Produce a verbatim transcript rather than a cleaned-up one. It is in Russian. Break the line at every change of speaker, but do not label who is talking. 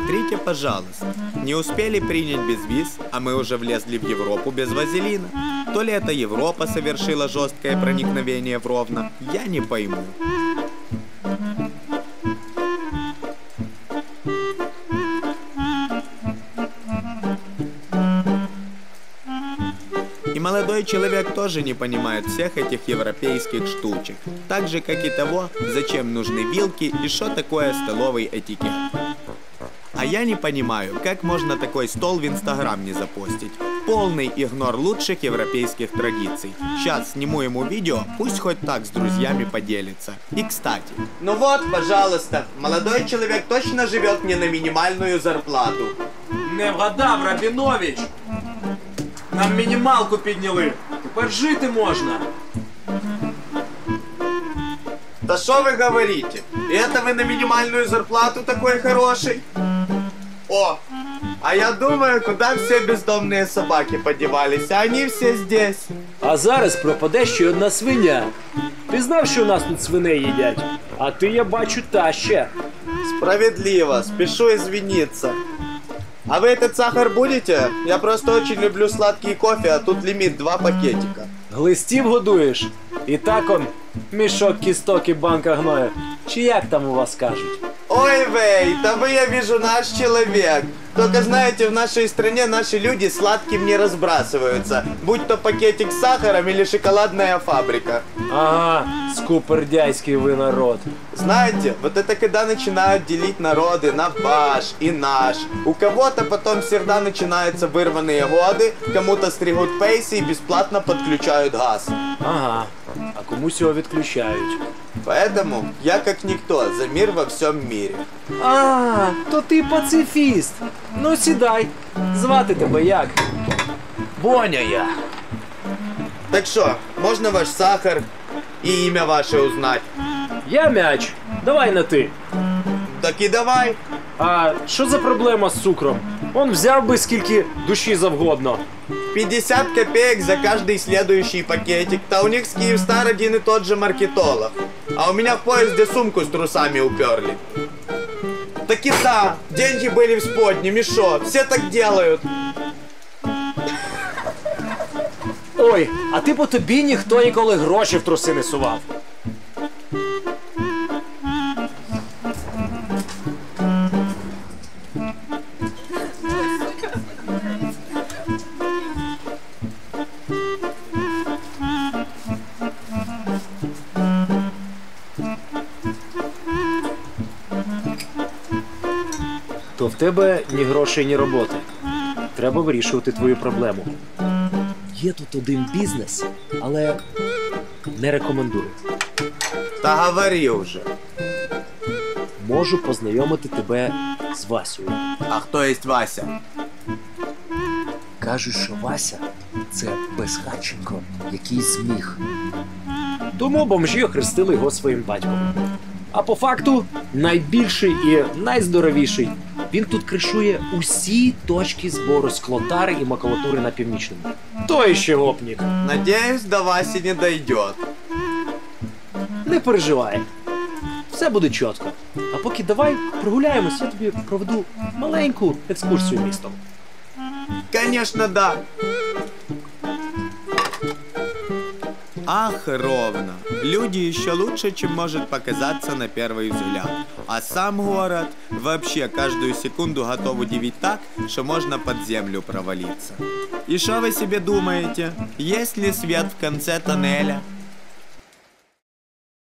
Посмотрите, пожалуйста. Не успели принять безвиз, а мы уже влезли в Европу без вазелина. То ли это Европа совершила жесткое проникновение в Ровно, я не пойму. И молодой человек тоже не понимает всех этих европейских штучек, так же как и того, зачем нужны вилки и что такое столовый этикет. А я не понимаю, как можно такой стол в Инстаграм не запостить. Полный игнор лучших европейских традиций. Сейчас сниму ему видео, пусть хоть так с друзьями поделится. И кстати. Ну вот, пожалуйста, молодой человек точно живет не на минимальную зарплату.
Не вгадав, Рабінович! Нам мінімалку підняли. Тепер жити можна.
Да что вы говорите? И это вы на минимальную зарплату такой хороший? О, а я думаю, куда все бездомные собаки подевались, а они все здесь.
А зараз пропаде ще одна свиня. Ти знав, що у нас тут свиней їдять? А ти, я бачу, та ще.
Справедливо, спешу извиниться. А вы этот сахар будете? Я просто очень люблю сладкий кофе, а тут лимит два пакетика.
Глистів годуєш? І так он, мішок кісток і банка гною. Чи як там у вас кажуть?
Ой, вей, да вы, я вижу, наш человек. Только знаете, в нашей стране наши люди сладким не разбрасываются. Будь то пакетик с сахаром или шоколадная фабрика.
Ага, скупердяйський ви народ.
Знаете, вот это когда начинают делить народы на ваш и наш. У кого-то потом всегда начинаются вырванные годы, кому-то стригут пейсы и бесплатно подключают газ.
Ага, а комусь його відключають.
Поэтому я как никто за мир во всем мире.
А, то ти пацифіст. Ну сідай. Звати тебе як? Боня я.
Так что, можно ваш сахар и имя ваше узнать?
Я Мяч. Давай на ти.
Так и давай.
А що за проблема з цукром? Он взяв би скільки душі завгодно.
пятьдесят копеек за каждый следующий пакетик. Да у них с Киевстар один и тот же маркетолог. А у меня в поезде сумку с трусами уперли. Так и да, деньги были в сподне, мешо, все так делают.
Ой, а ти по тобі ніхто ніколи гроші в труси не сував. То в тебе ні грошей, ні роботи. Треба вирішувати твою проблему. Є тут один бізнес, але не рекомендую.
Да говори уже.
Можу познайомити тебе з Васею.
А кто есть Вася?
Кажуть, що Вася – це безхатченко, який зміг. Тому бомжі охрестили його своїм батьком. А по факту найбільший і найздоровіший. Він тут кришує усі точки збору склотари і макулатури на Північному. Той ще гопнік.
Надеюсь, до Васи не дойдет.
Не переживай. Все буде чітко. А поки давай прогуляємось, я тобі проведу маленьку екскурсію містом.
Конечно, да. Ах, Ровно. Люди еще лучше, чем может показаться на первый взгляд. А сам город вообще каждую секунду готов удивить так, что можно под землю провалиться. И что вы себе думаете? Есть ли свет в конце тоннеля?